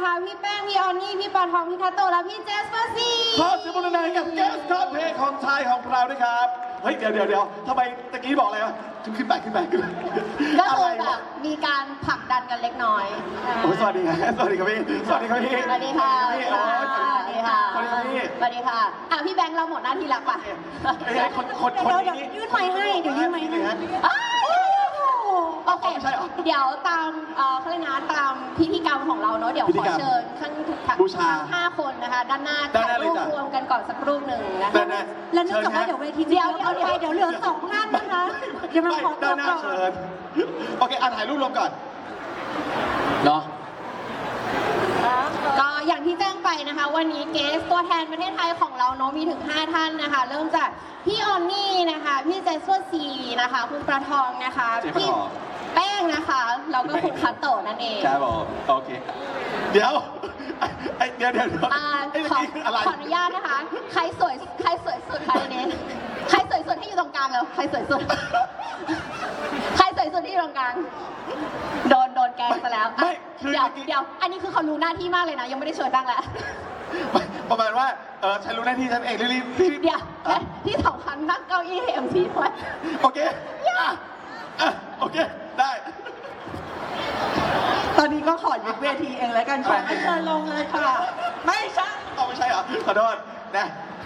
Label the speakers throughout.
Speaker 1: นะคะพี่แป้งพี่ออนนี่พี่ปอทองพี่คาโตและพี่เจสเปอร์ซี
Speaker 2: ขอเสียงปรบมือให้กับเกสคอเพลงของชายของเราด้วยครับเฮ้ยเดี๋ยวทำไมตะกี้บอกอะไรวะขึ้นไป
Speaker 1: ก็คือแบบมีการผลักดันกันเล็กน้อย
Speaker 2: โอ้สวัสดีครับสวัสดีครับพี่สวัสดีครับพี่
Speaker 1: สวัสดีค่ะสวัสดีค่ะสวัสดีค่ะ
Speaker 2: สวัสดีครับพี่
Speaker 1: สวัสดีค่ะพี่แบงค์เราหมดหน้าที่แล้วป่ะ
Speaker 2: ไอ้คนนี้
Speaker 3: ยื่นไมค์ให้เดี๋ยวยื่นไมค์ให้
Speaker 1: โอเค
Speaker 2: ไม่ใช่เหรอ
Speaker 1: เดี๋ยวตามเขาเรียกนะตามพิธีกรรมของเราเนาะเดี๋ยว
Speaker 2: พิธี
Speaker 1: ขอก
Speaker 2: รรม
Speaker 1: เชิญท่านทุกท่าน
Speaker 2: บูชา
Speaker 1: 5 คนนะคะด้านหน้า
Speaker 2: ด้านหน้า
Speaker 1: ถ่ายรูป
Speaker 2: เลยจ้ะ
Speaker 1: รวมกันก่อนสักรูปหนึ่งนะคะ
Speaker 2: ด้านหน้า
Speaker 3: แล้วเนื่องจากว่าเดี๋ยวเวทีเดียวเอาไปเดี๋ยวเหลือ2ท่านนะคะเดี๋ยวเราขอตั
Speaker 2: ด้า
Speaker 3: วน
Speaker 2: หน้า
Speaker 3: ก่อน
Speaker 2: เชิญโอเคถ่ายรูปรวมก่อนเนาะ
Speaker 1: ก็อย่างที่แจ้งไปนะคะวันนี้เกสตัวแทนประเทศไทยของเราเนาะมีถึง5ท่านนะคะเริ่มจากพี่ออนนี่นะคะพี่เจสเวอร์ซีนะคะคุณประทองนะคะพี่แป้งนะคะแล้วก็คุณคัตโตะนั่นเอง
Speaker 2: ครับผมโอเคเดี๋ยวไอ้เดี๋ยวไอ้เมื่อ
Speaker 1: ขอ
Speaker 2: กี้คืออะไร
Speaker 1: ขออนุญาตนะคะใครสวยสุดคะในนี้ใครสวยสุดที่อยู่ตรงกลางแล้วใครสวยสุดใครสวยสุดที่อยู่ตรงกลางโดนแกงซะแล้ว
Speaker 2: ไม่คือ
Speaker 1: เดี๋ยวอันนี้คือเขารู้หน้าที่มากเลยนะยังไม่ได้เชิญตั้งแล้ว
Speaker 2: ประมาณว่าฉันรู้หน้าที่ฉันเองรีบ
Speaker 1: เดี๋ยวที่สำคัญนั่งเก้าอี้ให้ MC ด้วย
Speaker 2: โอเคโอเคได้
Speaker 3: ตอนนี้ก็ขอยึดเวทีเองแล้วกันขอให้เชิญลงเลยค่ะ ไม่ใช่
Speaker 2: เอาไม่ใช่เหรอขอโทษนะ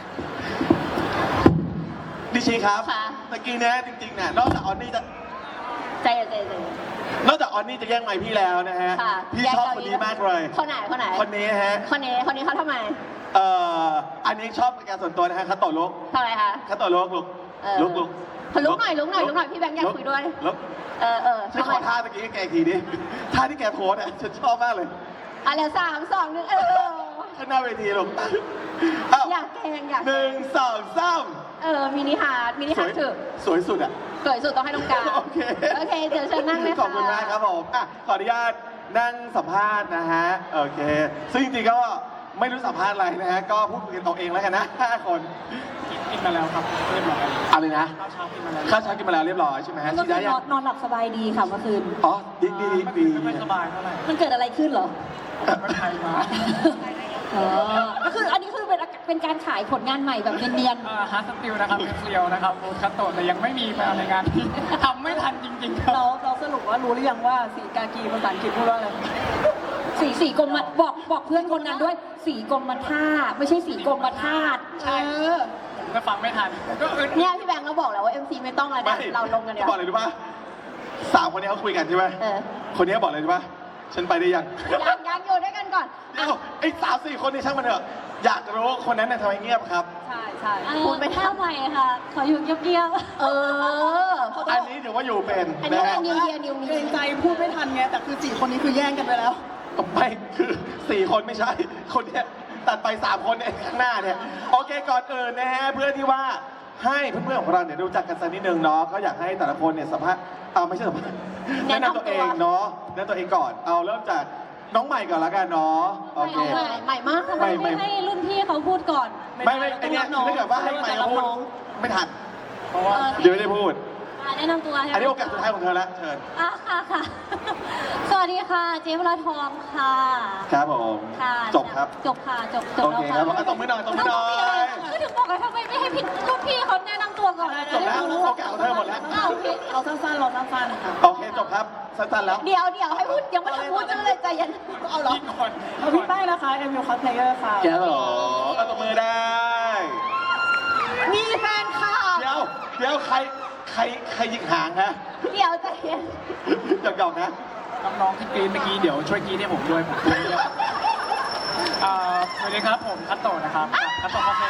Speaker 2: ดิชีครับตะกี้เนี้ยจริงๆเนี่ยนอกจากออนนี่จะ
Speaker 1: ใจ
Speaker 2: นอกจากออนนี่จะแย่งไมค์พี่แล้วนะฮะ
Speaker 1: ค่ะ
Speaker 2: พี่ชอบคนนี้มากเลย
Speaker 1: คนไหน
Speaker 2: คนนี้ฮะ
Speaker 1: คนนี้เขาทำไม
Speaker 2: อันนี้ชอบเป็นการส่วนตัวนะฮะคาโตะลุก
Speaker 1: ทำไมคะ
Speaker 2: คาโตะลุกลุก
Speaker 1: ลุกหน่อยพี่แบงค์อยากคุยด้วย
Speaker 2: ลุก ช่วยขอท่าตะกี้ให้แกอีกทีดิท่าที่แกโพสอ่ะฉันชอบมากเลย
Speaker 1: เดี๋ยว3 2 1
Speaker 2: ข้างหน้าเวทีลูก
Speaker 1: อยากแกงอยาก
Speaker 2: 1 2 3
Speaker 1: มินิฮาร์ดถือ
Speaker 2: สวยสุดอ่ะ
Speaker 1: สวยสุดต้องให้ตรงกลาง
Speaker 2: โอเค
Speaker 1: เดี๋ยวเชิญนั่งเลยค่ะ
Speaker 2: ขอบคุณมากครับผมขออนุญาตนั่งสัมภาษณ์นะฮะโอเคซึ่งจริงๆก็ไม่รู้สัมภาษณ์อะไรนะฮะก็พูดคุยกันเอาเองแล้วกันนะ5 คน
Speaker 4: กินมาแล้วครับเรียบร้อย
Speaker 2: อะไรนะ
Speaker 4: ข้าวเช้ากินมาแล้ว
Speaker 2: ข้าวเช้ากินมาแล้วเรียบร้อยใช่ไหมฮะ
Speaker 3: เมื่อ
Speaker 2: ฉีด
Speaker 3: คื
Speaker 2: ได้
Speaker 3: น
Speaker 2: ยัง
Speaker 3: นอนหลับสบายดีค่ะเมื่อคืน
Speaker 2: อ๋อดี
Speaker 4: ไม่ค่อยสบายเท่าไหร่
Speaker 3: มันเกิดอะไรขึ้นเหรอ
Speaker 4: ก็ไทยมา
Speaker 3: ก็คืออันนี้คือเป็นการขายผลงานใหม่แบบเนียน
Speaker 4: ฮาร์ดสติลนะครับเป็นเซียวนะครับโบคัตโตะแต่ยังไม่มีมาในงานที่ทำไม่ทันจริงๆค
Speaker 3: ๆ
Speaker 4: รับ
Speaker 3: เราสรุปว่ารู้หรือยังว่าสีกากีภาษาอังกฤษพูดว่าอะไรสีกรมบอกเพื่อนคนนั้นด้วยสีกรมท่าไม่ใช่สีกรมธาตุ
Speaker 4: ใช่ผมก็ฟังไม่ทันก็อึด
Speaker 1: เนี่ยพี่แบงค์ก็บอกแล้วว่า MC ไม่ต้องแล้ว
Speaker 2: ไม่
Speaker 1: เนี่ยเราลงกันเดี๋ยว
Speaker 2: บอกเลยรู้ป่ะ3 คนนี้เขาคุยกันใช่ไหม คนนี้บอกเลยรู้ป่ะฉันไปได้ยัง
Speaker 1: ยังอยู่ด้วยกันก่อน
Speaker 2: เอ้าไอ้3-4 คนนี้ช่างมันเถอะอยากจะรู้คนนั้นน่ะทำไมเงียบครับ
Speaker 3: ใช่
Speaker 1: พูดไป
Speaker 3: ข้าวใหม่ค่ะ ขออยู่เงียบ
Speaker 2: อันนี้ถือว่าอยู่เป็น
Speaker 1: อันนี้
Speaker 2: นะ
Speaker 1: เป็
Speaker 2: ฮะ
Speaker 1: นนิวมี
Speaker 3: เกรงใจพูดไม่ทันไงแต่คือ4 คนนี้คือแย่งกันไปแล้ว
Speaker 2: ไม่คือ4 คนไม่ใช่ คนเนี้ยตัดไป3 คนเนี่ยข้างหน้าเนี่ยโอเคก่อนอื่นนะฮะเพื่อที่ว่าให้เพื่อนๆของเราเนี่ยรู้จักกันสักนิดนึงเนาะก็อยากให้แต่ละคนเนี่ยสัมภาษณ์ไม่ใช่สัมภาษณ์แนะนำตัวเองเนาะแนะนำตัวเองก่อนเอาเริ่มจากน้องใหม่ก่อนละกันเนาะโอเค
Speaker 1: ใหม่มาก
Speaker 3: ทำไมไม่ให้รุ่นพี่เขาพูดก่อน
Speaker 2: ไม่ไอเนี้ยถ้าเกิดว่าให้ใหม่มาพูดไม่ทัน
Speaker 4: เพราะว่า
Speaker 2: เดี๋ยวไม่ได้พูด
Speaker 3: แนะนำตัว
Speaker 2: อันนี้โอกาสสุดท้ายของเธอละเชิญ
Speaker 3: ค่ะ สวัสดีค่ะ เจ๊วราทองค่ะ
Speaker 2: ครับผม
Speaker 3: ค่ะ
Speaker 2: จบครับ
Speaker 3: จบค่ะจบ
Speaker 2: โอเคครับผมตบมือหน่อยตบมือหน่อย
Speaker 3: ก็ถึงบอกไงทำไมไม่ให้รุ่นพี่เขาแนะนำตัวก่อน
Speaker 2: จบแล้วโอกาสของเธอหมดแล้ว
Speaker 3: โอเคเราสั้นๆค่ะ
Speaker 2: โอเคจบครับสั้นๆแล้ว
Speaker 1: เดี๋ยวให้พูดยังไม่ทันพูดชื่อเลยใจเย็น
Speaker 3: เอาเหรอ
Speaker 4: ยิ่งก่อน
Speaker 3: พี่แป้งนะคะเอ็มยูคอสเพลเยอร์ค่ะ
Speaker 2: แกเหรอเอาตบมือได้
Speaker 1: มีแฟนค่ะ
Speaker 2: เดี๋ยวใครยิงหางฮะ
Speaker 1: เดี๋ยวใจเย็น
Speaker 2: หยอกๆนะ
Speaker 4: น้องๆที่กรีนเมื่อกี้เดี๋ยวช่วยกรีนให้ผมด้วยผมด้วยสวัสดีครับผมคัตโตะนะครับคัตโตะคาเฟ่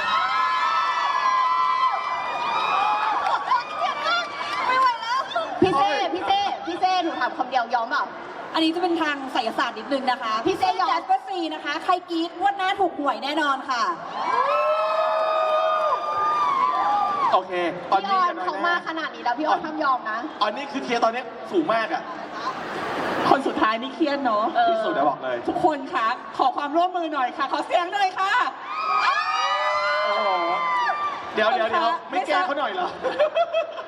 Speaker 1: ไม่ไหวแล้วพี่เซ่หนูถามคำเดียวยอมเปล่า
Speaker 3: อันนี้จะเป็นทางไสยศาสตร์นิดนึงนะคะ
Speaker 1: พี่เซ่ยอม
Speaker 3: แจสเปอร์ซีนะคะ ใครกรี๊ดงวดหน้าถูกหวยแน่นอนค่ะ
Speaker 2: โอเคออน
Speaker 1: พี่อ
Speaker 2: นี่
Speaker 1: อน
Speaker 2: กันหน่อย
Speaker 1: เขามา
Speaker 2: นะ
Speaker 1: ขนาดนี้แล้วพี่ออนทำยอมนะ
Speaker 2: ออนนี่คือเคลียร์ตอนนี้สูงมากอ่ะ
Speaker 3: คนสุดท้ายนี่เครียดเนาะ
Speaker 2: ที่สุดแล้วบอกเลย
Speaker 3: ทุกคนคะขอความร่วมมือหน่อยค่ะ ขอเสียงหน่อยค่ะ
Speaker 2: โอ้โหเดี๋ยวไม่แก้เขาหน่อยเหรอ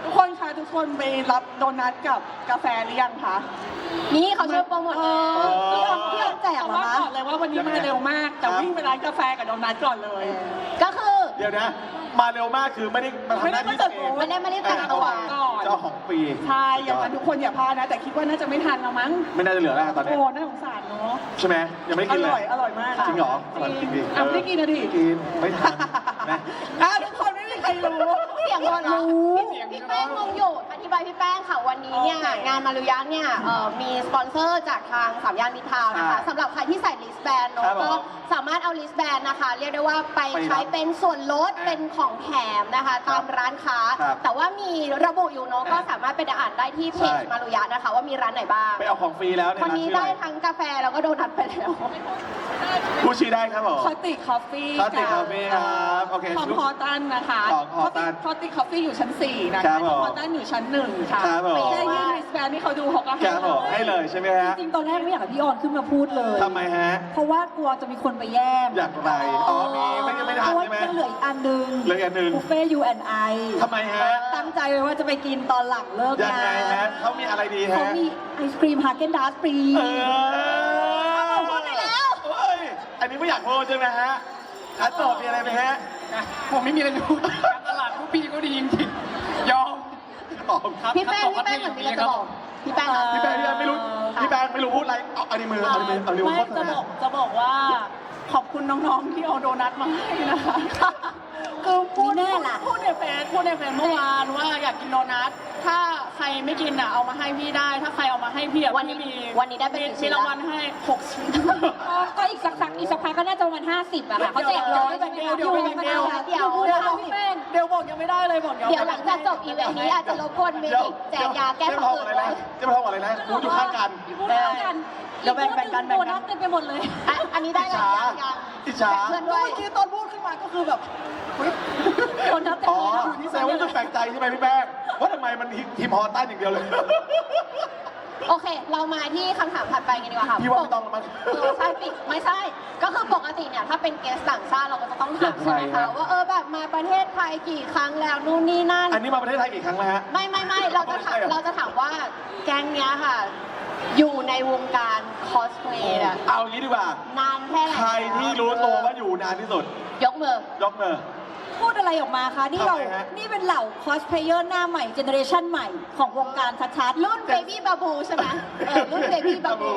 Speaker 5: ทุกคนคะทุกคนไปรับโดนัทกับกาแฟหรือยังคะ
Speaker 1: นี่เขาช่วยโปรโมท
Speaker 3: พี่ออนแจก
Speaker 5: แต่
Speaker 3: เหรอ
Speaker 5: ว่า
Speaker 3: คะ
Speaker 5: ก่อนเลยว่าวันนี้มาเร็วมาก แต่วิ่งไปร้านกาแฟกับโดนัทก่อนเลย
Speaker 1: ก็คือ
Speaker 2: เดี๋ยวนะ มาเร็วมากคือไม่ได้มาทำหน้าที่ตัวเอง
Speaker 1: ไม่ได้มารีบแต่งตัว
Speaker 2: เจ้าของฟรี
Speaker 5: ใช่อย่างนั้นทุกคนอย่าพลาดนะ แต่คิดว่าน่าจะไม่ทันแล้วมั้ง
Speaker 2: ไม่น่าจะเหลือแล้วตอนนี้
Speaker 5: โอ้น่าสงสารเนาะ
Speaker 2: ใช่ไหมยังไม่ได้
Speaker 5: อ
Speaker 2: กินเล
Speaker 5: ร่อย
Speaker 2: ย
Speaker 5: อร่อยมาก
Speaker 2: จริงเหรออร่อยจริงดิ
Speaker 5: อ่ะไม่ได้กินนะดิ
Speaker 2: กินไม่ทันนะ
Speaker 5: ทุกคนไม่มีใครรู้
Speaker 1: เสียงคนรู้พี่แป้งงงอยู่อธิบายพี่แป้งค่ะวันนี้เนี่ย
Speaker 5: โอเค
Speaker 1: งานมารุยะเนี่ยมีสปอนเซอร์จากทางสามย่านมิตรทาวน์นะคะสำหรับใครที่ใส่ลิสแบนเน
Speaker 2: ครั
Speaker 1: อะ
Speaker 2: บผม
Speaker 1: ก็สามารถเอาลิสแบนนะคะ เรียกได้ว่าไปใช้เป็นส่วนลดเป็นของแถมนะคะตามร้านค้า
Speaker 2: ครับ
Speaker 1: แต่ว่ามีระบุอยู่เนอะก็สามารถไปอ่านได้ที่เพจ
Speaker 2: ใช่
Speaker 1: มารุยะนะคะ ว่ามีร้านไหนบ้าง
Speaker 2: ไปเอาของฟรีแล้วใน
Speaker 1: คน
Speaker 2: ร้าน
Speaker 1: นี้
Speaker 2: ชื่อ
Speaker 1: ได้
Speaker 2: อะไร
Speaker 1: ทั้งกาแฟแล้วก็โดนัทไปแล้ว
Speaker 2: พูดชื่อได้ครับผม
Speaker 5: คอติคอฟฟี่
Speaker 2: Cotic Coffee ครับโอเค
Speaker 5: ของพอตันนะคะ
Speaker 2: ของ Horton
Speaker 5: คอติคอฟฟี่อยู่ชั้น 4 นะ
Speaker 2: ครั
Speaker 5: คะ
Speaker 2: บผม
Speaker 5: พอตันอยู่ชั้น 1 ค่ะ
Speaker 2: ครับผม
Speaker 5: แค่ยื่นริสแบนที่เขาดูเขาก็
Speaker 2: ครับผมให้เลยใช่ไหมฮะ
Speaker 3: จริงๆตอนแรกไม่อยากให้พี่ออนขึ้นมาพูดเลย
Speaker 2: ทำไมฮะ
Speaker 3: เพราะว่ากลัวจะมีคนไปแย่ง
Speaker 2: อยากไรอ๋อมีไม่ทัน
Speaker 3: เพราะว่า
Speaker 2: ใช่ไหม
Speaker 3: ยังเหลืออีกอันหนึง
Speaker 2: เหลืออีกอันหนึ่ง
Speaker 3: บุฟเฟ่ U&I
Speaker 2: ทำไมฮะ
Speaker 3: ตั้งใจไว้ว่าจะไปกินตอนหลังเลิก
Speaker 2: ยัง
Speaker 3: งา
Speaker 2: ไงฮะ
Speaker 3: น
Speaker 2: เขามีอะไรดี
Speaker 3: เขา
Speaker 2: ฮะ
Speaker 3: มีไอศครีมฮาเกนดาสฟรี
Speaker 2: เออพูดไปแล้วเฮ้ยอันนี้ไม่อยากพูดใช่ไหมฮะคัดตอบมีอะไรไหมฮะ
Speaker 4: ผมไม่มีอะไรจะพูดการตลาดผู้พี่ก็ดีจริงๆยอม
Speaker 2: ตอบ
Speaker 4: ครับ
Speaker 1: พี่แป้งเหมือนมีอะไรจะบอกพี่แป้งอะ
Speaker 2: พี่แป้งไม่รู้พี่แป้งไม่รู้พูดอะไรเอาอันนี้มือเอานิ้วเอานิ้ว
Speaker 5: ไม่
Speaker 2: โฆษ
Speaker 5: จะ
Speaker 2: ณา
Speaker 5: บอกว่าขอบคุณน้องๆที่เอาโดนัทมาให้นะคะ คือพูด
Speaker 3: มีแน่ล่ะ
Speaker 5: พูดในเฟซเมื่อวานว่าอยากกินโดนัทถ้าใครไม่กินอ่ะเอามาให้พี่ได้ ถ้าใครเอามาให้พี่อ่ะ
Speaker 1: วันนี้
Speaker 5: พี่มี
Speaker 1: วันนี้ได้ไปกี่ชิ้
Speaker 5: มี
Speaker 1: นละ
Speaker 5: รางวัลให้6 ชิ้น
Speaker 3: ก็อีกสักพักก็น่าจะประมาณ50อะค่ะเขาแจกร้อย
Speaker 5: เดี๋ยว
Speaker 1: เดี๋ยว
Speaker 5: พูดนะคะพี่แป้งเดี๋ยวบอกยังไม่ได้เลยบอก
Speaker 1: เดี๋ยวหลังจากจบอีเวนต์นี้อาจจะรบกวนเมย์แจกยาแก้ท้องอืด
Speaker 2: อะไรนะจะมาทำอะไรนะพูดอยู่ข้างกัน
Speaker 3: พูดเท่ากัน
Speaker 5: เดี๋ยวแบ่งกัน
Speaker 3: โดนัทเต็มไปหมดเลย
Speaker 1: อันนี้ได้อะไรยัง
Speaker 2: อิจฉา
Speaker 1: เพื่อน
Speaker 5: เมื่
Speaker 1: ด้
Speaker 5: อ
Speaker 1: วย
Speaker 5: กี้ตอนพูดขึ้นมาก็คือแบบอุ๊ย
Speaker 3: โดนัทเต็ม
Speaker 2: อ๋อ
Speaker 3: เลยนะ
Speaker 2: แสดงว่าต้องแปลกใจใช่ไหมพี่แป้งว่าทำไมมันทีมฮอตตันอย่างเดียวเลย
Speaker 1: โอเค เรามาที่คำถามถัดไปกันดีกว่าค่ะ
Speaker 2: พี่ว่าไม่ต้องแล้วมั้ง
Speaker 1: ใช่ปิดไม่ใช่ ก็คือปกติเนี่ยถ้าเป็นเกสต่างชาติเราก็จะต้องถามใช่ไหม
Speaker 2: ครั
Speaker 1: คะ
Speaker 2: บ
Speaker 1: ว่าแบบมาประเทศไทยกี่ครั้งแล้วนู่นนี่นั่น
Speaker 2: อันนี้มาประเทศไทยกี่ครั้งแล้วฮะ
Speaker 1: ไม่เราจะถาม
Speaker 2: ไม่ใช่เหรอ
Speaker 1: เราจะถามว่าแก๊งเนี้ยค่ะ อยู่ในวงการคอสเพลย์อะ
Speaker 2: เอางี้ดีกว่า
Speaker 1: นานแค่ไหน
Speaker 2: ใครที่รู้ตัวว่าอยู่นานที่สุด
Speaker 1: ยกมือ
Speaker 2: ยกมือ
Speaker 3: พูดอะไรออกมาคะนี่เรา
Speaker 2: ทำไมฮะ
Speaker 3: นี่เป็นเหล่าคอสเพลเยอร์หน้าใหม่เจเนอเรชันใหม่ของวงการชัดๆ
Speaker 1: รุ่นเบบี้บาบูใช่ไหมรุ่นเบบี้บาบู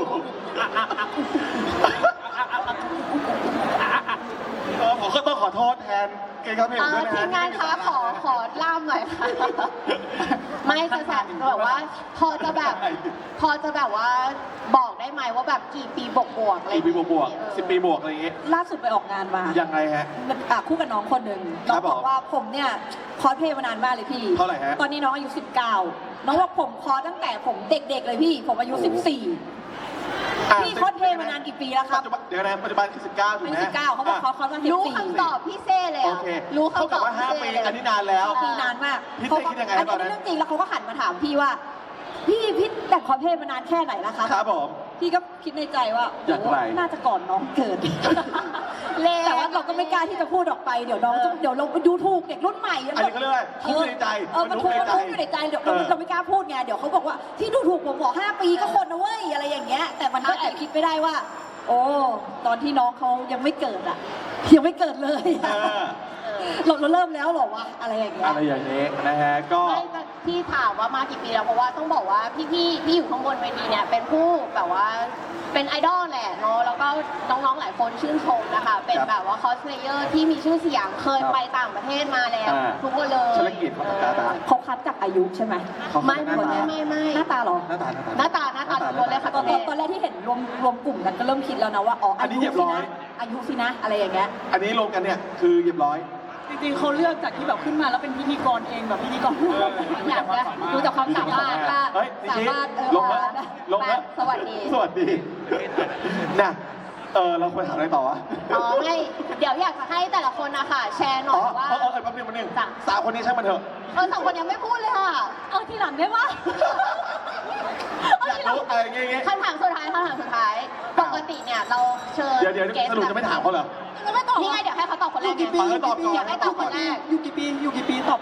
Speaker 2: ผมก็ต้องขอโทษแทนเกย์ครับพี่ผมด้วยนะ
Speaker 1: ทีมงานคะขอล่ามหน่อยค่ะ ไม่จะแบบว่า พอจะแบบว่าบอกได้ไหมว่าแบบกี่ปีบวกๆอะไร
Speaker 2: กี่ปีบวกๆ10 ปีบวกอะไรอย่างงี้
Speaker 3: ล่าสุดไปออกงานมา
Speaker 2: ยังไงฮะ
Speaker 3: คู่กับน้องคนหนึ่ง
Speaker 2: ค
Speaker 3: น้
Speaker 2: รั
Speaker 3: อบ ง
Speaker 2: ผม
Speaker 3: บอกว่าผมเนี่ยคอสเพลย์มานานมากเลยพี่
Speaker 2: เท่าไหร่ฮะ
Speaker 3: ตอนนี้น้องอายุ 19 น้องบอกผมคอสตั้งแต่ผมเด็กๆเลยพี่ ผมอายุ 14 พี่คอสเพลย์มานานกี่ปีแล้วครับ
Speaker 2: ปัจจุบันเดี๋ยวนะปัจจุบันคือ19ถูก
Speaker 3: อายุ
Speaker 2: ไหม
Speaker 3: 19เขาบอกเขาคอสมา
Speaker 1: รู้
Speaker 3: 14
Speaker 1: คำตอบพี่เซ่เลย
Speaker 2: โอ
Speaker 1: อะ
Speaker 2: เค
Speaker 1: รู้
Speaker 2: เท่า
Speaker 1: คำต
Speaker 2: กั
Speaker 1: อ
Speaker 2: บบ ว่า
Speaker 1: พี่
Speaker 2: 5
Speaker 1: เซ่
Speaker 2: ปี
Speaker 1: เลย
Speaker 2: อันนี้นานแล้ว
Speaker 3: ปีนานมาก
Speaker 2: พี่เต้คิดยังไงครับตอนนั้น
Speaker 3: เรื่องจริงแล้วเขาก็หันมาถามพี่ว่า พี่แต่งคอสเพลย์มานานแค่ไหนแล้วครับ
Speaker 2: ครับผม
Speaker 3: พี่ก็คิดในใจว่า
Speaker 2: อย่างไร
Speaker 3: โน่าจะก่อนน้องเกิด แต่ว่าเราก็ไม่กล้าที่จะพูดออกไปเดี๋ยวน้องเดี๋ยวเราไปดูถูกเด็กรุ่นใหม่
Speaker 2: อันนี้เขาเรียกว่าทุกข์ในใจ
Speaker 3: มันทุกข์อยู่ในใจเดี๋ยวเราไม่กล้าพูดไงเดี๋ยวเขาบอกว่าที่ดูถูกผมบอก5 ปีก็คนนะเว้ยอะไรอย่างเงี้ย แต่มันก็แอบคิดไม่ได้ว่า โอ้ตอนที่น้องเขายังไม่เกิดอ่ะยังไม่เกิดเลย
Speaker 2: เออ
Speaker 3: เราเริ่มแล้วเหรอวะอะไรอย่างเงี้ย
Speaker 2: อะไรอย่างนี้นะฮะก็
Speaker 1: ไม่ที่ถามว่ามากี่ปีแล้วเพราะว่าต้องบอกว่าพี่ที่อยู่ข้างบนเวทีเนี่ยเป็นผู้แบบว่าเป็นไอดอลแหละเนาะแล้วก็น้องๆหลายคนชื่นชมนะคะ เป็นแบบว่าคอสเพลเยอร์ที่มีชื่อเสียงเคยไปต่างประเทศมาแล้ว ทุกคนเลย
Speaker 2: ธุรกิจของตาตา
Speaker 3: เขาคัดจากอายุใช่ไหม
Speaker 1: ไม่
Speaker 2: หน้าตา
Speaker 1: ไม่
Speaker 3: หน้าตาเหรอ
Speaker 2: หน้าตา
Speaker 1: หน้าตาทุกคนเลยค่ะ
Speaker 3: ตอนแรกที่เห็นรวมกลุ่มกันก็เริ่มคิดแล้วนะว่าอ๋อ
Speaker 2: อันนี้เหยียบร้อย
Speaker 3: อายุสินะอะไรอย่างเงี้ย
Speaker 2: อันนี้ลงกันเนี่ยคือเรียบร้อย
Speaker 5: จริงๆเขาเลือกจากที่แบบขึ้นมาแล้วเป็นพิธีกรเองแบบพิธีกร
Speaker 1: อยากจะดูจากความสามารถว่า
Speaker 2: เฮ้ยนิ
Speaker 1: สา
Speaker 2: ชิ
Speaker 1: มารถ
Speaker 2: ลงมาลงมา
Speaker 1: สวัสดี
Speaker 2: สวัสดีนะเราควรถามอะไรต่อวะ
Speaker 1: อ๋อไม่เดี๋ยวอยากจะให้แต่ละคนนะคะแชร์หน่
Speaker 2: อ๋
Speaker 1: อ
Speaker 2: อย
Speaker 1: ว่า
Speaker 2: แป๊บนึงสาวคนนี้ช่างมันเถอะ
Speaker 1: สองคนยังไม่พูดเลยค่ะ
Speaker 3: เอาทีหลังได้ปะ
Speaker 2: อยากรู้อะไรเงี้ย
Speaker 1: คำถามสุดท้ายปกติเนี่ยเราเชิญ
Speaker 2: เดี๋ยวสรุปจะไม่ถามเขาเหรอ
Speaker 1: นี่ไงเดี๋ยวให้เขาตอบคนแรกไง
Speaker 2: ขอให้ตอบก่อน
Speaker 1: อยากให้ตอบคนแรก
Speaker 5: อยู่กี่ปีตอบ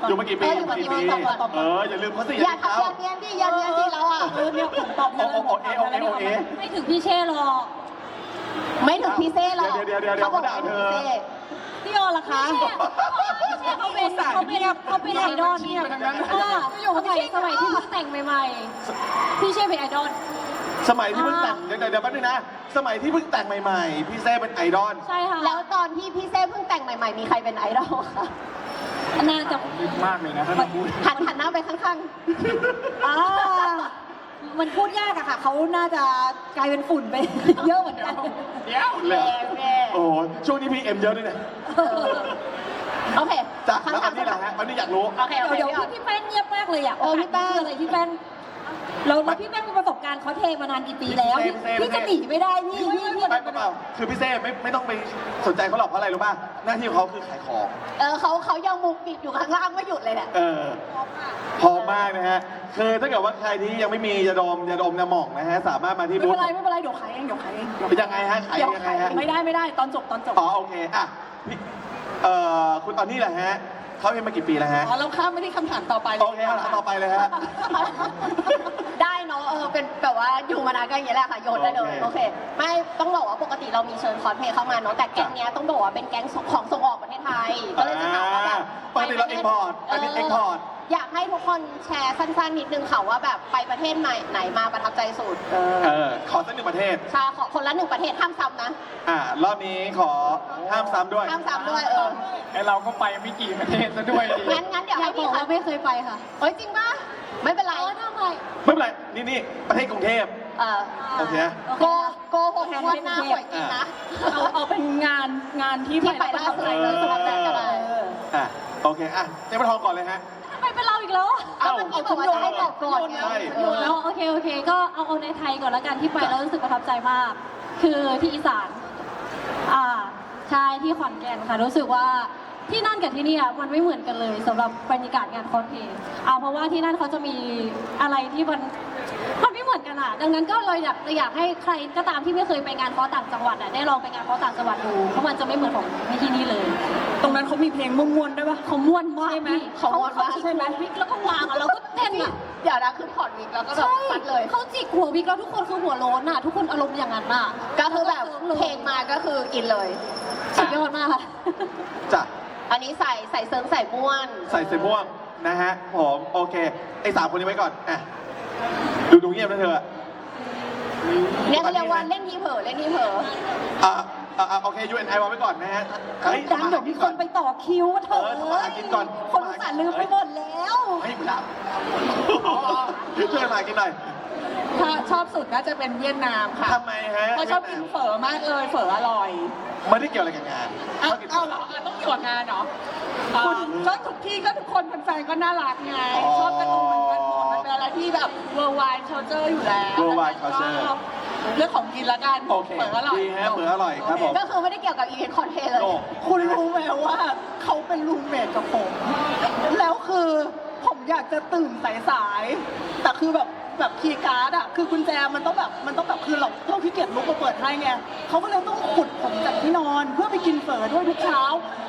Speaker 3: ก่อน
Speaker 2: อยู่มากี่ปี
Speaker 1: อยู่มากี่ปีตอบก่อน
Speaker 2: อย่าลืมเขาสิ
Speaker 1: อย่าทำอย่าเนียนดิอย่าเนียนดิเราอ่ะ
Speaker 3: เนี่ยผมตอบ
Speaker 2: โอเค
Speaker 3: ไม่ถึงพี่เช่หรอก
Speaker 1: ไม่ถึงพี่เซ่หรอก
Speaker 2: เดี๋ยว
Speaker 1: เขาบอก
Speaker 2: เขาด่า
Speaker 1: ไม่
Speaker 2: เธ
Speaker 1: ถึง
Speaker 2: อ
Speaker 1: พี่เซ่
Speaker 3: พี่ออนล่ะคะเขาเป็นไอดอลเนี่ยสมัยที่เพิ่งแต่งใหม่ๆพี่เช่เป็นไอดอล
Speaker 2: สมัยที่เพิ่งแต่งเดี๋ยวแป๊บนึงนะ สมัยที่เพิ่งแต่งใหม่ๆ พี่เซ่เป็นไอดอล
Speaker 3: ใช่ค่ะ
Speaker 1: แล้วตอนที่พี่เซ่เพิ่งแต่งใหม่ๆมีใครเป็นไอดอลคะ
Speaker 3: น่าจะ
Speaker 4: ลึกมากเลยนะถ้าเราพูด
Speaker 1: หันหน้าไปข้าง
Speaker 3: อ่ามันพูดยากอะค่ะ เขาน่าจะกลายเป็นฝุ่นไป เยอะเหมือนกัน
Speaker 4: เดี๋ยว
Speaker 1: ๆ
Speaker 2: เลย
Speaker 1: แม่
Speaker 2: โอ้โหช่วงนี้พี่เอ็มเยอะด้วยเนี่ย
Speaker 1: โอเค
Speaker 2: จ้ะแล้วอันนี้แหละฮะอันนี้อยากรู้
Speaker 1: โอเคโอเค
Speaker 3: เดี๋ยว
Speaker 1: พี่ออน
Speaker 3: พี่แป้งเงียบมากเลยอะ
Speaker 1: พี่แป้ง
Speaker 3: คืออะไรพี่แป้งแล้วพี่แป้งมีประสบการณ์คอสเพลย์มานานกี่ปีแล้วพี่จะหนีไม่ได้พี่
Speaker 2: ไม่เปล่าคือพี่เซ่ไม่ต้องไปสนใจเขาหรอกเพราะอะไรรู้ป่ะ หน้าที่ของเขาคือขายของ
Speaker 1: เขายังมุกติดอยู่ข้างล่างไม่หยุดเลยเนี่ย
Speaker 2: พร้อมมากนะฮะ คือถ้าเกิดว่าใครที่ยังไม่มียาดมน้ำหม่องนะฮะ สามารถมาที่
Speaker 5: ไม่
Speaker 2: บู
Speaker 5: เป็
Speaker 2: ธ
Speaker 5: นไรไม่เป็นไรเดี๋ยวขายเองเดี๋ยวขายเอง
Speaker 2: เป็นยังไงฮะ ขายยังไงฮะ
Speaker 5: ไม่ได้ตอนจบ
Speaker 2: อ๋อโอเคอ่ะพี่คุณตอนนี้แหละฮะเขาเป็นมากี่ปีแล้วฮะ
Speaker 5: อ๋อแล้วข้ามไม่ได้คำถามต่อไปเลย
Speaker 2: โอเคครับต่อไปเลยฮะ
Speaker 1: ได้เนาะเป็นแบบว่าอยู่มานานก็อย่างนี้แหละค่ะโยนได้เลย
Speaker 2: โอ
Speaker 1: โอ
Speaker 2: เค
Speaker 1: เค ไม่ต้องบอกว่าปกติเรามีเชิญคอสเพลย์เข้ามาเนาะแต่แก๊งเนี้ยต้องบอกว่าเป็นแก๊งของส่งออกประเทศไทยก็เลยจะถามว่าแบบ
Speaker 2: ปกติเรา import อันนี้ export
Speaker 1: อยากให้ทุกคนแชร์สั้นๆนิดนึงค่ะว่าแบบไปประเทศไหนมาประทับใจสุด
Speaker 2: ขอสักหนึ่งประเทศ
Speaker 1: ชาขอคนละหนึ่งประเทศห้ามซ้ำนะ
Speaker 2: รอบนี้ขอห้ามซ้ำด้วย
Speaker 1: ห้ามซ้ำด้วย
Speaker 4: ไอเราก็ไปไม่กี่ประเทศซะด้วยดิ
Speaker 1: งั้นเดี๋ยว
Speaker 3: อยา
Speaker 1: ให้
Speaker 3: กบ
Speaker 1: พี่
Speaker 3: อก
Speaker 1: ค่ะ
Speaker 3: ว่าไม่เคยไปค่ะ
Speaker 1: เฮ้ยจริงปะไม่เป็นไร
Speaker 3: ทำไม
Speaker 2: ไม่เป็นไร นี่ประเทศกรุงเทพ โอเค
Speaker 1: โกหกงวดหน้าหวยจริงนะ
Speaker 5: เอาเป็นงานที่
Speaker 1: ที่ไปล่าสุดเลยสำหรับแจกกันเลย
Speaker 2: โอเคเจ๊ปะทองก่อนเลยฮะ
Speaker 3: ทำไมเป็นเราอีกแล้ว
Speaker 1: ก็เมื่อกี้บอกว่าจะให้ตอบก่อนไง
Speaker 2: ใช่
Speaker 3: แล้วโอเค ก็เอาในไทยก่อนแล้วกันที่ไปแล้วรู้สึกประทับใจมาก คือที่อีสานใช่ที่ขอนแก่นค่ะรู้สึกว่าที่นั่นกับที่นี่มันไม่เหมือนกันเลยสำหรับบรรยากาศงานคอสเพลย์เพราะว่าที่นั่นเขาจะมีอะไรที่มันไม่เหมือนกันดังนั้นก็เลยอยากให้ใครก็ตามที่ไม่เคยไปงานคอสต่างจังหวัดได้ลองไปงานคอสต่างจังหวัดดูเพราะมันจะไม่เหมือนของที่นี่เลย
Speaker 5: ตรงนั้นเขามีเพลงม่วนๆด้วยปะ
Speaker 3: เขาม่วนมาก
Speaker 5: ใช่ไหม
Speaker 3: พี่
Speaker 1: เขาม่วนมาก
Speaker 3: ใช่ไหมวิกแล้วก็วางแล้วก็เต้น
Speaker 1: เดี๋ยวนะคือถอดวิกแล้วก็แบบ
Speaker 3: ใช่
Speaker 1: ปัดเลย
Speaker 3: เขาจิกหัววิกแล้วทุกคนคือหัวโล้นทุกคนอารมณ์อย่างนั้น
Speaker 1: ก็คือแบบเพลงมาก็คืออินเลย
Speaker 3: สุดยอดมากค่ะ
Speaker 2: จ้ะ
Speaker 1: อันนี้ใส่เซิร์งใส่ม่วน
Speaker 2: ใส่เสื้อม่วงนะฮะผมโอเค ไอ้3คนนี้ไว้ก่อนดูเงียบนะเธอ
Speaker 1: เนี่ยเขาเรียกว่าเล่นที่เผลอเล่นที่เผลอ
Speaker 2: โอเค UNI วางไว้ก่อนนะฮะ
Speaker 3: ดังเดี๋ยวมีคนไปต่อคิวเถอะ
Speaker 2: ทำมาหากินก่อน
Speaker 3: คนอุตส่าห์ลืมไปหมดแล้ว
Speaker 2: ให้มึงรับช่วยมากินหน่อย
Speaker 5: ถ้าชอบสุดน่าจะเป็นเวียดนามค่ะ
Speaker 2: ทำไมฮะ
Speaker 5: เพราะชอบกินเฝอมากเลยเฝออร่อย
Speaker 2: ไม่ได้เกี่ยวอะไรกับงาน
Speaker 5: เอา
Speaker 2: ชอบกิน
Speaker 5: เอาเหรอต้องอยู่กับงานเหรอก็ทุกที่ก็ทุกคนแฟนๆก็น่ารักไง ชอบกันตรงเหมือนกันหมดมันเป็นอะไรที่แบบ worldwide culture อยู่แล้ว
Speaker 2: Worldwide culture
Speaker 5: แล้วก็เรื่องของกินละกัน
Speaker 2: โอเค
Speaker 5: เฝออร่อย
Speaker 2: ดีฮะเฝออร่อยครับผม
Speaker 1: ก็คือไม่ได้เกี่ยวกับอีเวนต์คอนเทนต์เลย
Speaker 2: โอ้
Speaker 5: คุณรู้ไหมว่าเขาเป็นรูมเมทกับผม แล้วคือผมอยากจะตื่นสายๆแต่คือแบบคีย์การ์ดอะคือกุญแจมันต้องแบบคือเราขี้เกียจลุกมาเปิดให้ไงเขาก็เลยต้องขุดผมจากที่นอนเพื่อไปกินเฝอด้วยทุกเช้า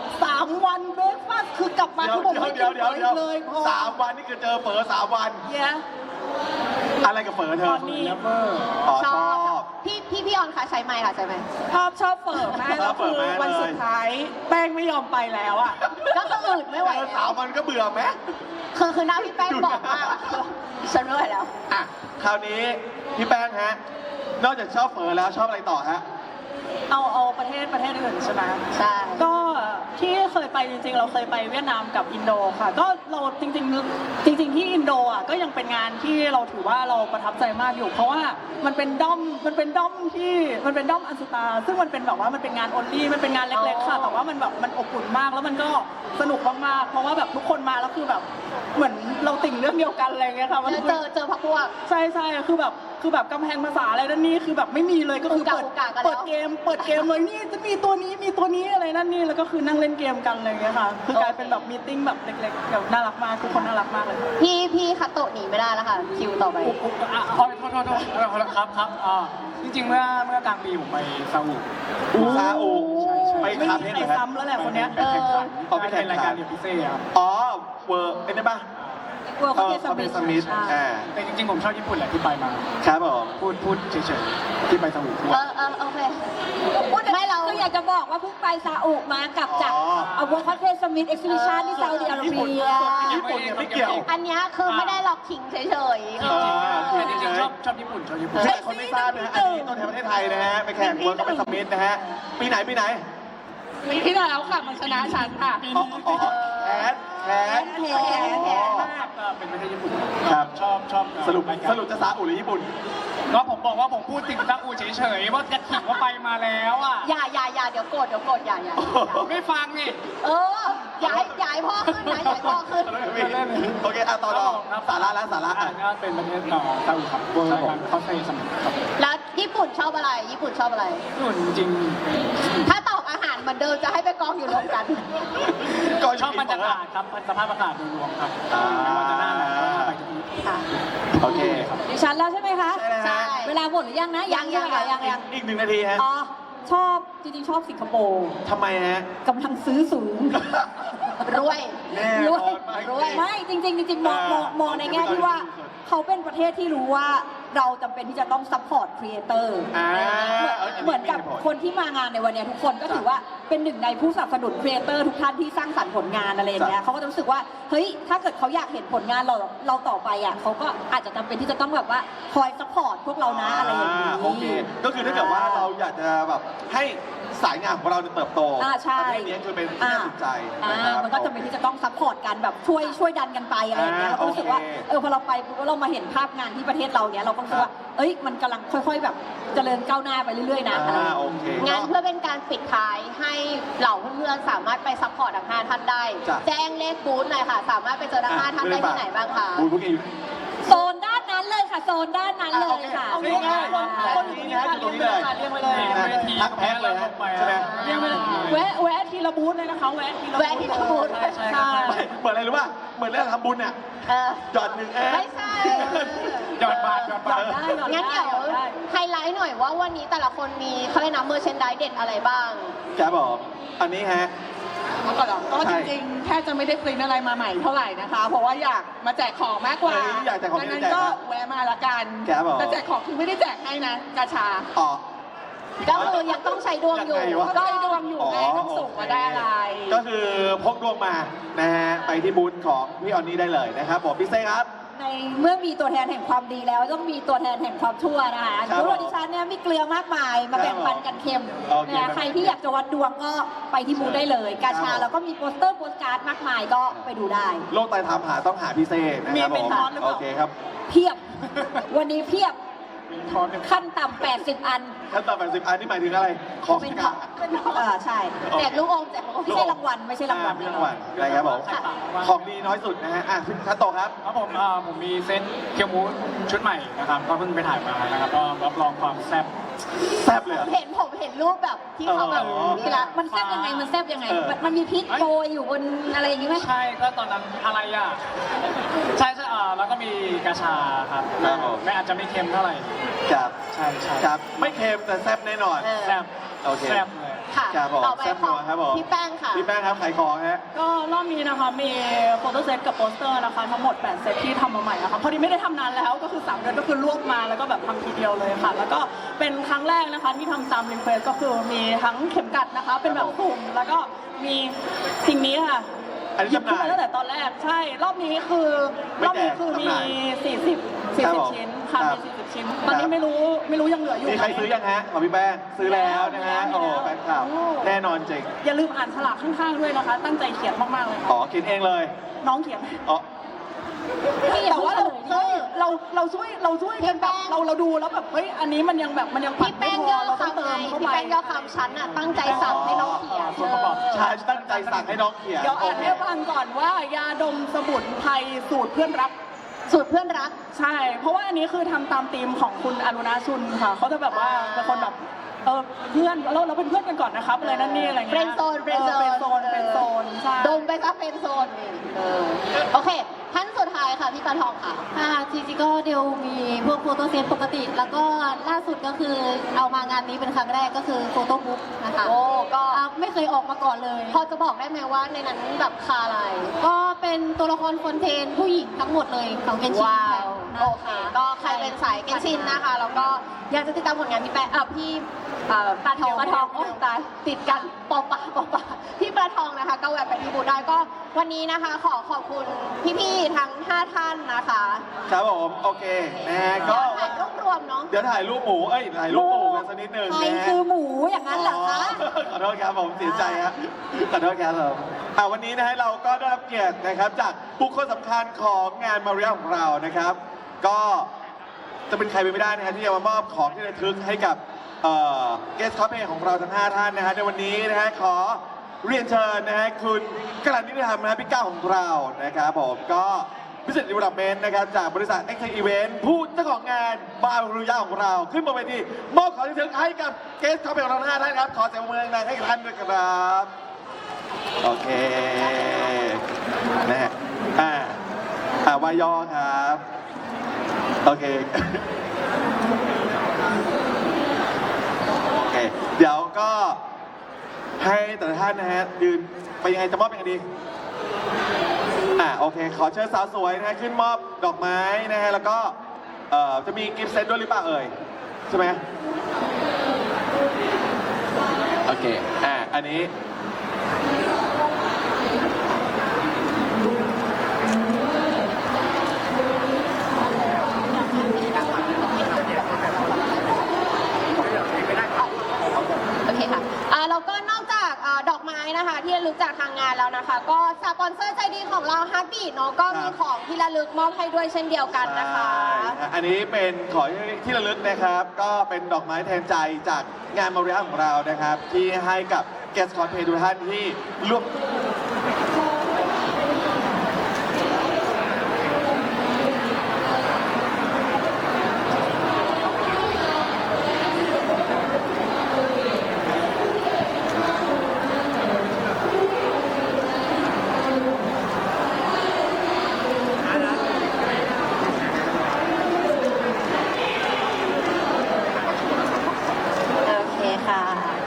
Speaker 5: 3 วันเบรกฟาสต์คือกลับมาคือผมไม่กินเฝออีกเลยพอ
Speaker 2: 3 วันนี่คือเจอเฝอ3 วัน
Speaker 5: เย้
Speaker 2: อะไรกับเฝอเธอ
Speaker 5: ตอนนี้
Speaker 2: ชอบ
Speaker 1: พี่ออนค่ะใช้ไมค์ค่ะใช้ไมค์
Speaker 5: ชอบเฝอมากแล้วคือวันสุดท้ายแป้งไม่ยอมไปแล้วอะ
Speaker 1: ก็คืออื่นไม่ไหว
Speaker 2: เจอ
Speaker 1: แล้ว
Speaker 2: 3 วันก็เบื่อไหม
Speaker 1: คือหน้าพี่แป้งบอกมากอะฉันไม่ไหวแล้ว
Speaker 2: คราวนี้พี่แป้งฮะ นอกจากชอบเฝอแล้วชอบอะไรต่อฮะ
Speaker 5: เอาประเทศอื่นใช่ไหม
Speaker 1: ใช่
Speaker 5: ก็ที่เคยไปจริงๆ เราเคยไปเวียดนามกับอินโดค่ะ ก็เราจริงๆที่อินโดอ่ะก็ยังเป็นงานที่เราถือว่าเราประทับใจมากอยู่ เพราะว่ามันเป็นด้อมอันสุตา ซึ่งมันเป็นแบบว่ามันเป็นงานออนลี่มันเป็นงานเล็กๆค่ะ แต่ว่ามันแบบมันอบอุ่นมากแล้วมันก็สนุกมากๆเพราะว่าแบบทุกคนมาแล้วคือแบบเหมือนเราติ่งเรื่องเดียวกันอะไรเงี้ยค่ะมัน
Speaker 1: เจอพักพวก
Speaker 5: ใช่คือแบบกำแพงภาษาอะไรนั่นนี่คือแบบไม่มีเลยก็คือเปิด
Speaker 1: อุกากันแล้ว
Speaker 5: เปิดเกมเลยนี่จะมีตัวนี้อะไรนั่นนี่แล้วก็คือนั่งเล่นเกมกันอะไรอย่างเงี้ยค่ะคือกลายเป็นแบบมีตติ้งแบบเล็กๆแบบน่ารักมากทุกคนน่ารักมากเลย
Speaker 1: พี่คัตโตะหนีไม่ได้แล้วค่ะคิวต่อไป
Speaker 4: โทษครับจริงๆเมื่อกลางปีผมไปซาอุ
Speaker 2: ซาอุ
Speaker 4: ใช่
Speaker 2: ไป
Speaker 5: ไม่
Speaker 2: คา
Speaker 5: มี
Speaker 2: เพน
Speaker 5: ใคร
Speaker 2: เหรอฮะ
Speaker 5: ซ้ำแล้วแหละคนเนี้ย
Speaker 4: ไปแข่งขันเป็นรายการเดียวพิเศษครับ
Speaker 2: อ๋อเวอร์ไอ้นี่ป่ะ
Speaker 3: เวิร์คเทส
Speaker 2: คาเฟ่สมิธ
Speaker 4: แต่จริงๆผมชอบญี่ปุ่นแหละที่ไปมา
Speaker 2: ครับผม
Speaker 4: พูดเฉยๆที่ไปสมุทร
Speaker 1: โอเค
Speaker 3: ไม่เราก็อยากจะบอกว่าเพิ่งไปซาอุมากลับจากเวิร์คเทสมิธเอ็กซิบิชันที่ซาอุดิอาระเบีย
Speaker 2: ญี่ปุ่นเนี่ยไม่เกี่ยว
Speaker 1: อันเนี้ยคือไม่ได้หลอกขิงเฉยๆ
Speaker 4: แต่จริงๆชอบญี่ปุ่น
Speaker 2: หลายคนไม่ทราบนะฮะอันนี้ตัวแทนประเทศไทยนะฮะไปแข่งเวิร์คเป็นสมิธนะฮะปีไหน
Speaker 5: ปีที่แล้วค่ะมันชนะฉันค่ะ
Speaker 2: อ๋อแพ้
Speaker 4: มากเป็นประเทศญี่ปุ่น
Speaker 2: ครับ
Speaker 4: ชอบ
Speaker 2: สรุปจะซาอุหรือญี่ปุ่น
Speaker 4: ก็ผมบอกว่าผมพูดถึงซาอุเฉยๆว่าจะขิงว่าไปมาแล้วอ่ะ
Speaker 1: อย่าเดี๋ยวโกรธอย่า
Speaker 4: ไม่ฟังนี่
Speaker 1: อย่าให้พ่อขึ้นนะอย่าให้พ่อขึ้น
Speaker 2: โอเคต่อสาระแล้วสาระ
Speaker 4: ก็เป็นประเทศซาอุครับใช่ครับเขาใช้สมุทรครับ
Speaker 1: แล้วญี่ปุ่นชอบอะไร ญี่ปุ่นชอบอะไร
Speaker 4: ญี่ปุ่นจริง
Speaker 1: ถ้าตอบอาหารเหมือนเดิมจะให้ไปกองอยู่รวมกัน
Speaker 4: ชอบบรรยากาศครับสภาพอากาศโดยรวมครับไม่ว่าจะหน้าไหนก็ไปที่นี่
Speaker 1: ค่ะ
Speaker 2: โอเค
Speaker 3: ดิฉันแล้วใช่ไหมคะ
Speaker 1: ใช่
Speaker 3: เวลาหมดหรือยังนะยัง
Speaker 2: อีก1 นาทีฮะ
Speaker 3: อ๋อชอบจริงๆชอบสิงคโปร์
Speaker 2: ทำไมฮะ
Speaker 3: กำลังซื้อสูง
Speaker 1: รวย
Speaker 2: แน่
Speaker 3: ร
Speaker 2: น
Speaker 3: ว
Speaker 2: อย น
Speaker 3: ไม่จริงมองในแง่ที่ว่าเขาเป็นประเทศที่รู้ว่าเราจำเป็นที่จะต้องซัพพอร์ตครีเอเตอร์ เหมือนกับคนที่มางานในวันนี้ทุกคนก็ถือว่าเป็นหนึ่งในผู้สนับสนุนครีเอเตอร์ทุกท่านที่สร้างสรรค์ผลงานอะไรอย่างเงี้ยเขาก็จะรู้สึกว่าเฮ้ยถ้าเกิดเขาอยากเห็นผลงานเราต่อไปอ่ะเขาก็อาจจะจำเป็นที่จะต้องแบบว่าคอยซัพพอร์ตพวกเรานะอะไรอย่างนี้
Speaker 2: โอเคก็คือถ้าเกิดว่าเราอยากจะแบบให้สายงานของเราเติบโต
Speaker 3: ใช่
Speaker 2: ประเทศนี้คือเป็นที่น่าสนใจนะครับ
Speaker 3: มันก็จำเป็นที่จะต้องซัพพอร์ตกันแบบช่วยดันกันไปอะไรอย่างเงี้ยเราก็รู้สึกว่า
Speaker 2: โอเค
Speaker 3: พอเราไปปุ๊บเรามาเห็นภาพงานที่ประเทศเราเนี้ยเราก็รู้สึกว่าเอ้ยมันกำลังค่อยๆแบบเจริญก้าวหน้าไปเรื่อยๆนะอะไรอย่าง
Speaker 2: โอ
Speaker 3: เงี้ย
Speaker 2: เค
Speaker 1: งานเพื่อเป็นการปิดท้ายให้เหล่าเพื่อนๆสามารถไปซัพพอร์ตทั้ง5ท่านได้
Speaker 2: จ้ะ
Speaker 1: แจ้งเลขบูธหน่อยค่ะ สามารถไปเจอทั้ง5ท่านได้ที่ไหนบ้างคะ
Speaker 2: บูธพวกเอง
Speaker 3: โซนด้านนั้นเลยค่ะโซนด้านนั้นเลยค่ะ
Speaker 2: โอเคง่ายๆคนอยู่ตรงนี้นะอยู่ตรงนี้เลย
Speaker 5: เรียงไปเลย
Speaker 2: ทักแพ็คเลยฮะใช่ไหม
Speaker 5: เรียงไปเลยแวะทีละบูธเลยนะคะแวะทีละ
Speaker 1: แวะที่บูธ
Speaker 5: ใช่
Speaker 2: เหมือนอะไรรู้ป่ะเหมือนเรื่องทำบุญเนี่ย หยอด1 แอร์
Speaker 1: ไม่ใช่
Speaker 4: หยอดบาท
Speaker 1: งั้นเดี๋ยวไฮไลท์หน่อยว่าวันนี้แต่ละคนมีเขาเรียกนะเมอร์เชนดายเด็ดอะไรบ้าง
Speaker 2: ครับผมอันนี้ฮะ
Speaker 5: มาก่อนเหรอก็จริงๆแค่จะไม่ได้ปริ้นอะไรมาใหม่เท่าไหร่นะคะ เพราะว่าอยากมาแจกของมากกว่า
Speaker 2: อยากแจกของ
Speaker 5: ดัง
Speaker 2: ไม่
Speaker 5: นั้น
Speaker 2: ได้แจก
Speaker 5: ก็
Speaker 2: นะ
Speaker 5: แวะมาละกัน
Speaker 2: ครับผม
Speaker 5: แต่แจกของคือไม่ได้แจกให้นะกาชา
Speaker 2: อ๋อ
Speaker 1: ก็คือยังต้องใช้ดวงอยู่
Speaker 2: ยังไงวะ
Speaker 5: ก็ได้ดวงอยู่ไงต้องส่งมาได้อะไร
Speaker 2: ก็คือพกดวงมานะฮะไปที่บูธของพี่ออนนี่ได้เลยนะครับผมพี่เซ่ครับ
Speaker 3: ในเมื่อมีตัวแทนแห่งความดีแล้วต้องมีตัวแทนแห่งความชั่วนะคะ
Speaker 2: ครับ
Speaker 3: สำหรับดิฉันเนี่ยมีเกลือมากมายมาแบ่งปันกันเค็ม
Speaker 2: โอเค
Speaker 3: นะใครที่อยากจะวัดดวงก็ไปที่บูธได้เลย กาชาแล้วก็มีโปสเตอร์โปสการ์ดมากมายก็ไปดูได้
Speaker 2: โลกไตทำหาต้องหาพี่เซ่นะครับ
Speaker 5: มีเป็น
Speaker 2: ผม
Speaker 5: คอร์สหรือเป
Speaker 2: โอ
Speaker 5: ล่า
Speaker 2: เคครับ
Speaker 3: เพียบ วันนี้เพียบ
Speaker 4: ทอนหนึ่ง
Speaker 3: ขั้นต่ำ80 อัน
Speaker 2: ขั้นตอน80 อันนี่หมายถึงอะไร ของ
Speaker 3: เป็น
Speaker 2: กา
Speaker 3: ใช่
Speaker 1: แจกลูกอมแจกลูกอม
Speaker 3: ไม่ใช่รางวัลไม่ใช่รางวัล
Speaker 2: ไม่รางวัลนะครับผม
Speaker 1: ค่ะ
Speaker 2: ของดีน้อยสุดนะฮะท่านโตครับ
Speaker 4: ครับผมมีเซตเคียวมูชุดใหม่นะครับก็เพิ่งไปถ่ายมานะครับก็รับรองความแซ่บ
Speaker 2: แซ่บเลยเหรอ
Speaker 1: ผมเห็นรูปแบบที่เขาแบบ
Speaker 2: นี่
Speaker 1: นี่
Speaker 2: แห
Speaker 1: ละ
Speaker 2: ละ
Speaker 3: มันแซบยังไงมันแซบยังไง มันมีพริก
Speaker 4: เอ้ย
Speaker 3: โรยอยู่บนอะไรอย่างงี้ไหม
Speaker 4: ใช่ก็ตอนนั้นอะไรอ่ะใช่แล้วก็มีกระชาครับ
Speaker 2: ครับผม
Speaker 4: ไม่อาจจะไม่เค็มเท่าไหร่
Speaker 2: ครับ
Speaker 4: ใช่ใช่
Speaker 2: ครับไม่เค็มแต่แซ่บแน่นอน
Speaker 4: แซ่บ
Speaker 2: โอเค
Speaker 4: แซ่บเลย
Speaker 1: ค่ะ
Speaker 2: ครับผม
Speaker 1: ต่อไป
Speaker 2: แซ่บ
Speaker 1: ข
Speaker 2: นั
Speaker 1: อ
Speaker 2: ว
Speaker 1: ง
Speaker 2: ครับผม
Speaker 1: พี่แป้งค่ะ
Speaker 2: พี่แป้งครับขายของฮะ
Speaker 5: ก็รอบนี้นะคะมีโฟโต้เซตกับโปสเตอร์นะคะทั้งหมด8เซตที่ทำมาใหม่นะคะพอดีไม่ได้ทำนานแล้วก็คือ3เดือนก็คือรวบมาแล้วก็แบบทำทีเดียวเลยค่ะ แล้วก็เป็นครั้งแรกนะคะที่ทำตามรีเควสก็คือมีทั้งเข็มกัดนะคะ เป็นแบบสุ่มแล้วก็มีสิ่งนี้ค่ะ
Speaker 2: อันนี้
Speaker 5: หยิบขึ้น
Speaker 2: จำหน่าย
Speaker 5: มาตั้งแต่ตอนแรกใช่ รอบนี้คือ
Speaker 2: ไม่
Speaker 5: รอบ
Speaker 2: แจ
Speaker 5: นี้
Speaker 2: ก
Speaker 5: คือมี
Speaker 2: จำหน่าย ครับผม
Speaker 5: 40ชิ้นค่ะ
Speaker 2: ครับ
Speaker 5: มี40ชิ้น ตอนนี้ไม่รู้ยังเหลืออยู่
Speaker 2: มีใครซื้อยังฮะของพี่แป้งซื้อแล้วนะฮะ
Speaker 5: มี
Speaker 2: โอ้
Speaker 5: แล้ว
Speaker 2: แฟนคลับแน่นอนจริง
Speaker 5: อย่าลืมอ่านฉลากข้างๆด้วยนะคะ ตั้งใจเขียนมากๆเลยค่ะ
Speaker 2: อ๋อกินเองเลย
Speaker 5: น้องเขียน
Speaker 2: อ๋อ
Speaker 5: แต่ว่าเราช่วยกันแบบเราดูแล้วแบบเฮ้ยอันนี้มันยังปัด
Speaker 1: พี่แป้งย่อ
Speaker 5: เราต้อง
Speaker 1: คำ
Speaker 5: เติ
Speaker 1: ไง
Speaker 5: มเข้า
Speaker 1: พี่
Speaker 5: ไป
Speaker 1: แป้งย่อคำชั้นน่ะตั้งใจสั่งให้น้องเขียน
Speaker 4: ส่วนประกอบ
Speaker 2: ชายตั้งใจสั่งให้น้องเขียน
Speaker 5: เดี๋ยวอ่านให้ฟังก่อนว่ายาดมสมุนไพรสูตรเพื่อนรัก
Speaker 1: สูตรเพื่อนรัก
Speaker 5: ใช่ เพราะว่าอันนี้คือทำตามธีมของคุณอรุณาชุนค่ะเขาจะแบบว่าเป็นคนแบบเพื่อนเราเป็นเพื่อนกันก่อนนะครับอะไรนั่นนี่อะไรเงี้ย
Speaker 1: Friend zone Friend zone
Speaker 5: เป็นโซนใช่
Speaker 1: ดมไปซะเป็นโซนนี่โอเค ท่านสุดท้ายค่ะพี่ปลาทองค่ะ
Speaker 3: จริงๆก็เดียวมีพวกโฟโต้เซตปกติ แล้วก็ล่าสุดก็คือเอามางานนี้เป็นครั้งแรกก็คือโฟโต้บุ๊กนะคะ
Speaker 1: โอ้ก็
Speaker 3: ไม่เคยออกมาก่อนเลย
Speaker 1: พอจะบอกได้ไหมว่าในนั้นแบบคาอะไร
Speaker 3: ก็เป็นตัวละครคอนเทนต์ผู้หญิงทั้งหมดเลยของเกนชิน
Speaker 1: ว้า
Speaker 3: ค่ะ
Speaker 1: วโอเค ก็ใครเป็นสายเกนชินนะคะ แล้วก็อยากจะติดตามผลงานพี่แป๊ะพี่ปลาทองโอ้ตายติดกันปอปะพี่ปลาทองนะคะ ก็แวะไปที่บูธได้ก็วันนี้นะคะ ขอขอบคุณพี่ๆทั้ง 5 ท่านนะคะ
Speaker 2: ครับผมโอเคนะฮะก็
Speaker 1: ถ่ายรูปรวมเนาะ
Speaker 2: เดี๋ยวถ่ายรูปหมูถ่ายรูปหมูกันสักนิดหนึ่ง
Speaker 3: ใคร
Speaker 2: นะฮะ
Speaker 3: คือหมูอย่างนั้นเหรอคะ
Speaker 2: ขอโทษครับผมเสียใจครับขอโทษครับผมวันนี้นะฮะเราก็ได้รับเกียรตินะครับจากบุคคลสำคัญของงานมาเรียของเรานะครับ ก็จะเป็นใครไปไม่ได้นะฮะที่จะมามอบของที่ระลึกให้กับเกสคอปเพของเราทั้ง 5 ท่านนะฮะในวันนี้นะฮะขอเรียนเชิญนะฮะคุณกลั่นนิติธรรมนะฮะพี่ก้าวของเรานะครับผมก็พิเศษดีเวลลอปเมนต์นะครับจากบริษัท XK Event ผู้เจ้าของงานบารุยาของเราขึ้นบนเวทีมอบของที่ระลึกให้กับเกสคอปเพของเราทั้ง 5 ท่านครับขอเสียงปรบมือดังๆให้กับท่านด้วยครับโอเคนะฮะวายอครับโอเค โอเค เดี๋ยวก็ให้แต่ละท่านนะฮะยืนไปยังไงจะมอบยังไงดีโอเค ขอเชิญสาวสวยนะฮะขึ้นมอบดอกไม้นะฮะแล้วก็จะมีกิฟต์เซตด้วยหรือเปล่าเอ่ยใช่ไหมโอเคอันนี้
Speaker 1: โอเคค่ะแล้วก็นอกจากดอกไม้นะคะที่ระลึกจากทางงานแล้วนะคะ ก็สปอนเซอร์ใจดีของเรา Heartbeat เนาะก็มีของที่ระลึกมอบให้ด้วยเช่นเดียวกันนะคะ
Speaker 2: ใช่อันนี้เป็นของที่ระลึกนะครับ ก็เป็นดอกไม้แทนใจจากงานมาเรียของเรานะครับ ที่ให้กับเกสคอนเพย์ทุกท่านที่ร่วม
Speaker 3: โอเคค่ะ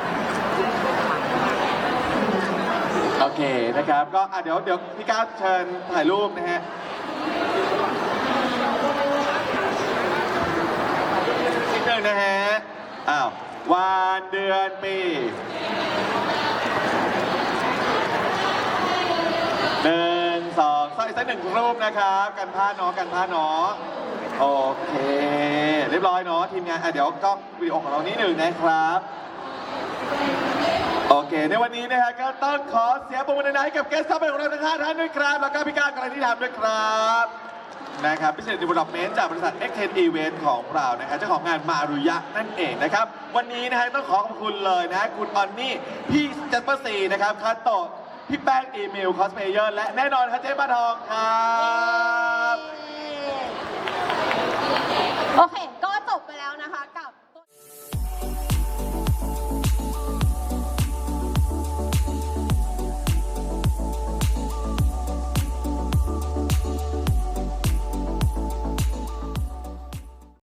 Speaker 2: โอเคนะครับ ก็เดี๋ยวพี่ก้าวเชิญถ่ายรูปนะฮะนิดนึงนะฮะวันเดือนปี1 2 3อีกสักหนึ่งรูปนะครับ กันผ้าเนาะกันผ้าเนาะโอเค เรียบร้อยเนาะทีมงานเดี๋ยวกล้องวิดีโอของเรานิดหนึ่งนะครับ โอเค ในวันนี้นะฮะก็ต้องขอเสียงปรบมือดังๆให้กับเกสต์ของเราทั้ง 5 ท่านด้วยครับ แล้วก็พี่ก้าวกระที่ทำด้วยครับนะครับพิเศษดีเวลลอปเมนต์จากบริษัท XK Event ของเรานะครับเจ้าของงานมารุยะนั่นเองนะครับ วันนี้นะฮะต้องขอขอบคุณเลยนะคุณออนนี่พี่เจสเปอร์ซีนะครับคาโตะพี่แป้งอีเมลคอสเพลเยอร์และแน่นอนครับเจ๊ปลาทองครับ
Speaker 1: โอเค